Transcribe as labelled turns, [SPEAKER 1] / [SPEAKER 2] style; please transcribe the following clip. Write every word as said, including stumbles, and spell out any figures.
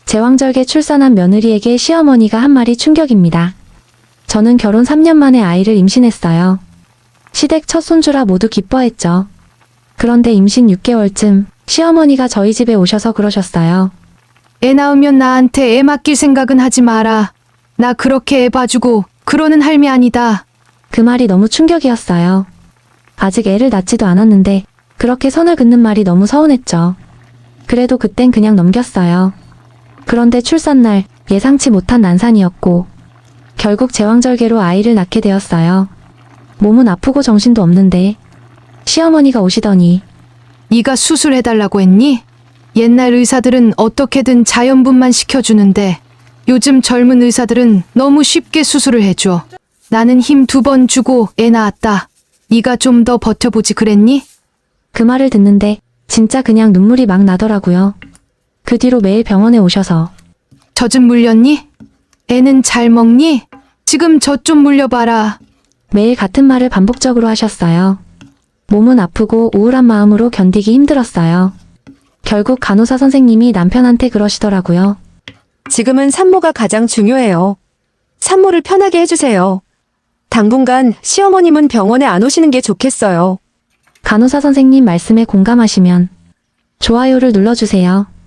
[SPEAKER 1] 제왕절개 출산한 며느리에게 시어머니가 한 말이 충격입니다. 저는 결혼 삼 년 만에 아이를 임신했어요. 시댁 첫 손주라 모두 기뻐했죠. 그런데 임신 육 개월쯤 시어머니가 저희 집에 오셔서 그러셨어요.
[SPEAKER 2] 애 낳으면 나한테 애 맡길 생각은 하지 마라. 나 그렇게 애 봐주고 그러는 할미 아니다.
[SPEAKER 1] 그 말이 너무 충격이었어요. 아직 애를 낳지도 않았는데 그렇게 선을 긋는 말이 너무 서운했죠. 그래도 그땐 그냥 넘겼어요. 그런데 출산날 예상치 못한 난산이었고 결국 제왕절개로 아이를 낳게 되었어요. 몸은 아프고 정신도 없는데 시어머니가 오시더니
[SPEAKER 2] 네가 수술해달라고 했니? 옛날 의사들은 어떻게든 자연분만 시켜주는데 요즘 젊은 의사들은 너무 쉽게 수술을 해줘. 나는 힘 두 번 주고 애 낳았다. 네가 좀 더 버텨보지 그랬니?
[SPEAKER 1] 그 말을 듣는데 진짜 그냥 눈물이 막 나더라고요. 그 뒤로 매일 병원에 오셔서
[SPEAKER 2] 젖은 물렸니? 애는 잘 먹니? 지금 젖 좀 물려봐라.
[SPEAKER 1] 매일 같은 말을 반복적으로 하셨어요. 몸은 아프고 우울한 마음으로 견디기 힘들었어요. 결국 간호사 선생님이 남편한테 그러시더라고요.
[SPEAKER 3] 지금은 산모가 가장 중요해요. 산모를 편하게 해주세요. 당분간 시어머님은 병원에 안 오시는 게 좋겠어요.
[SPEAKER 1] 간호사 선생님 말씀에 공감하시면 좋아요를 눌러주세요.